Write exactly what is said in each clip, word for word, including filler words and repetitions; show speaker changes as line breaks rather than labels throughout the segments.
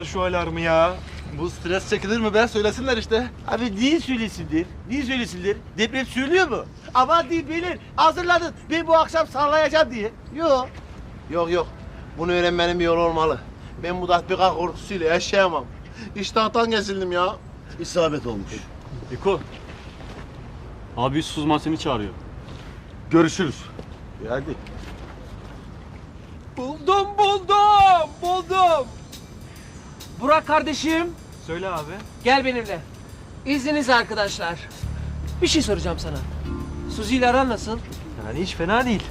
Şu alarmı ya. Bu stres çekilir mi be? Söylesinler işte.
Abi niye söylesinler? Niye söylesinler? Deprem söylüyor mu? Aman diyeyim beyler hazırlanın. Ben bu akşam sallayacağım diye. Yok.
Yok yok. Bunu öğrenmenin bir yolu olmalı. Ben bu tatbikat korkusuyla yaşayamam. İştahtan kesildim ya.
İsabet olmuş.
Eko. Abi Suzman seni çağırıyor.
Görüşürüz.
E hadi.
Buldum buldum buldum. Burak kardeşim
Söyle abi.
gel benimle. İzniniz arkadaşlar. Bir şey soracağım sana. Suzi ile aran nasıl?
Yani hiç fena değil.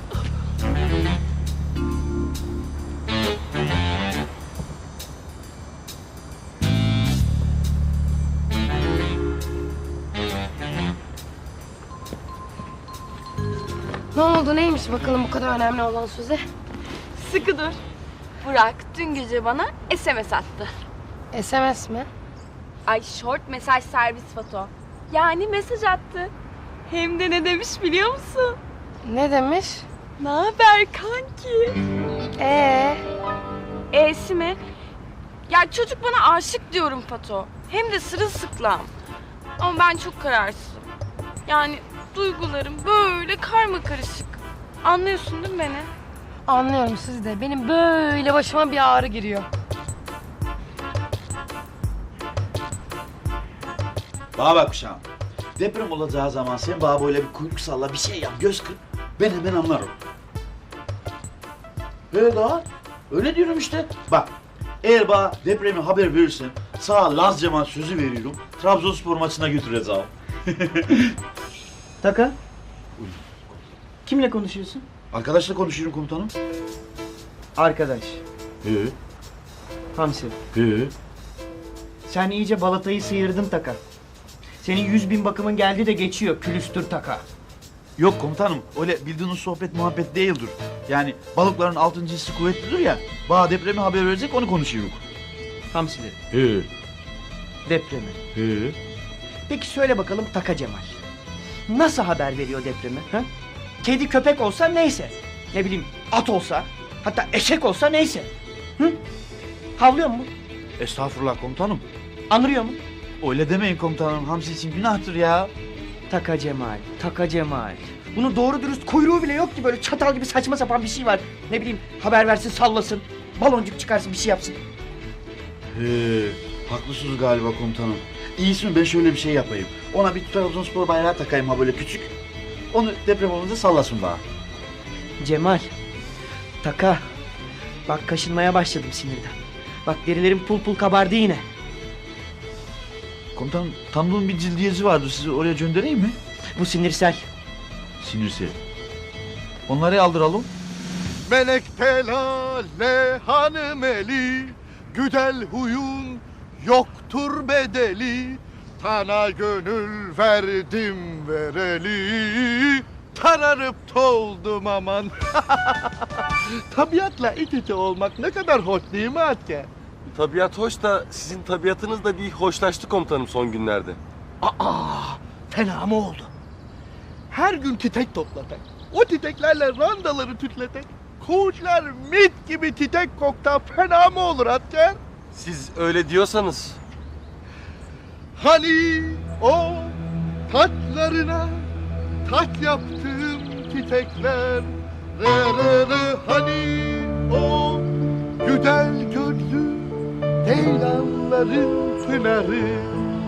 Ne oldu neymiş bakalım bu kadar önemli olan Suzi?
Sıkı dur. Burak dün gece bana S M S attı.
S M S mi?
Ay short mesaj servis foto. Yani mesaj attı. Hem de ne demiş biliyor musun?
Ne demiş?
Ne haber kanki?
Ee,
E'si mi? Ya çocuk bana aşık diyorum Fato. Hem de sırılsıklam. Ama ben çok kararsızım. Yani duygularım böyle karma karışık. Anlıyorsun değil mi beni?
anlıyorum Suzi de. Benim böyle başıma bir ağrı giriyor.
Bana bak uşağım. Deprem olacağı zaman sen bana böyle bir kuyruk salla, bir şey yap, göz kırp. Ben hemen anlarım. Öyle daha. Öyle diyorum işte. Bak, eğer bana depremi haber verirsen sana Laz Cemal sözü veriyorum. Trabzonspor maçına götüreceğim.
Taka. Kimle konuşuyorsun?
Arkadaşla konuşuyorum komutanım.
Arkadaş.
He,
Hamsi.
he.
Sen iyice balatayı sıyırdın Taka. Senin yüz bin bakımın geldi de geçiyor külüstür Taka.
Yok komutanım, öyle bildiğiniz sohbet muhabbet değildir. Yani balıkların altıncı hissi kuvvetlidir ya. Bana depremi haber verecek, onu konuşuyoruz.
Hamsileri.
He,
Depremi.
he.
Peki söyle bakalım Taka Cemal. Nasıl haber veriyor depremi? Ha? Kedi köpek olsa neyse. Ne bileyim at olsa. Hatta eşek olsa neyse. Hı? Havlıyor mu?
Estağfurullah komutanım.
Anırıyor mu?
Öyle demeyin komutanım, Hamsi için günahtır ya.
Taka Cemal, Taka Cemal. Bunun doğru dürüst kuyruğu bile yok ki, böyle çatal gibi saçma sapan bir şey var. Ne bileyim haber versin, sallasın. Baloncuk çıkarsın, bir şey yapsın.
He, haklısınız galiba komutanım. İyisi mi ben şöyle bir şey yapayım. Ona bir Trabzonspor bayrağı takayım ha böyle küçük. Onu deprem olunca sallasın bana.
Cemal, Taka. Bak kaşınmaya başladım sinirden. Bak derilerim pul pul kabardı yine.
Komutanım tanıdığım bir cildiyeci vardı, sizi oraya göndereyim mi?
Bu sinirsel.
Sinirse. Onları aldıralım.
Melek telale hanım eli, güzel huyun yoktur bedeli. Sana gönül verdim vereli, tararıp toldum aman. Tabiatla iç içe olmak ne kadar hoş değil mi Atke?
Tabiat hoş da sizin tabiatınız da bir hoşlaştı komutanım son günlerde.
Aa, fena mı oldu? Her gün çiçek topladık. O çiçeklerle randaları tütledik. Kuşlar mit gibi çiçek kokta fena mı olur Atke?
Siz öyle diyorsanız.
Hani o taçlarına taç yaptığım çiçekler, re re re, hani o güzel gözlü ceylanların pınarı.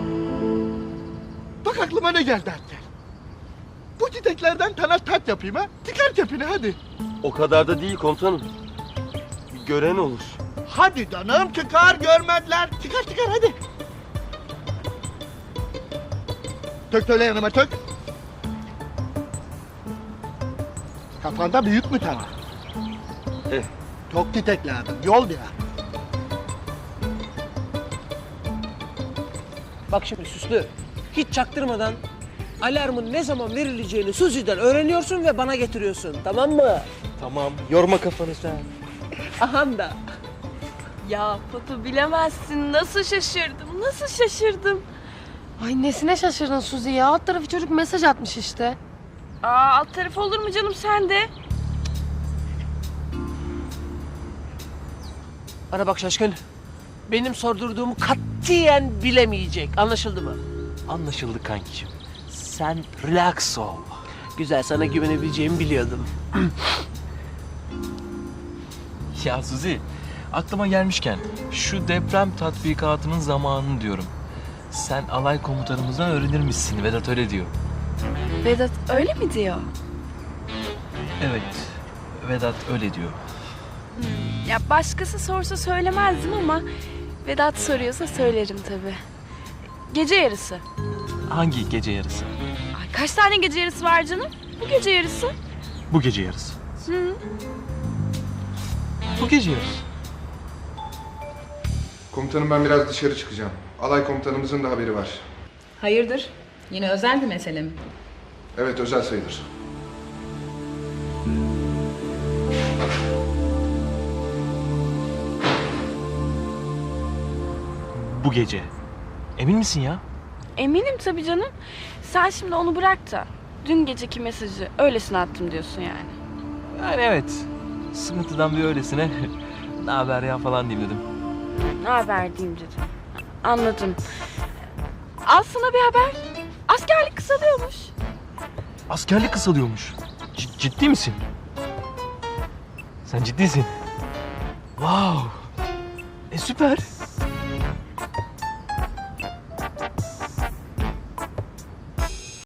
Bak aklıma ne geldi Atke. Bu çiçeklerden sana taç yapayım ha. Çıkar kepini hadi.
O kadar da değil komutanım. Bir gören olur.
Hadi canım çıkar görmediler. Çıkar çıkar hadi. Tök söyle yanıma tök. Kafanda büyük mü tane?
Eh.
Çok titek lazım. Yol biraz.
Bak şimdi süslü. Hiç çaktırmadan alarmın ne zaman verileceğini Suzi'den öğreniyorsun ve bana getiriyorsun. Tamam mı?
Tamam, yorma kafanı sen.
Aham da.
Ya Fato bilemezsin. Nasıl şaşırdım, nasıl şaşırdım.
Ay nesine şaşırdın Suzi ya? Alt tarafı çocuk mesaj atmış işte.
Aa alt tarafı olur mu canım sen de?
Bana bak şaşkın. benim sordurduğumu katiyen bilemeyecek. Anlaşıldı mı?
Anlaşıldı kankicim. Sen relax ol.
Güzel, sana güvenebileceğimi biliyordum.
Ya Suzi, aklıma gelmişken şu deprem tatbikatının zamanını diyorum. Sen alay komutanımızdan öğrenirmişsin. Vedat öyle diyor.
Vedat öyle mi diyor?
Evet, Vedat öyle diyor.
Ya başkası sorsa söylemezdim ama Vedat soruyorsa söylerim tabii. Gece yarısı.
Hangi gece yarısı?
Ay, kaç tane gece yarısı var canım? Bu gece yarısı.
Bu gece yarısı.
Hı.
Bu gece yarısı.
Komutanım ben biraz dışarı çıkacağım. Alay komutanımızın da haberi var.
Hayırdır? Yine özel bir mesele mi?
Evet özel sayılır.
Bu gece. Emin misin ya?
Eminim tabii canım. Sen şimdi onu bırak da dün geceki mesajı öylesine attım diyorsun yani.
Yani evet. Sıkıntıdan bir öylesine ne haber ya falan diyeyim dedim.
Ne haber diyeyim dedim. Anladım. Al sana bir haber. Askerlik kısalıyormuş.
Askerlik kısalıyormuş. C- ciddi misin? Sen ciddisin. Wow. E süper.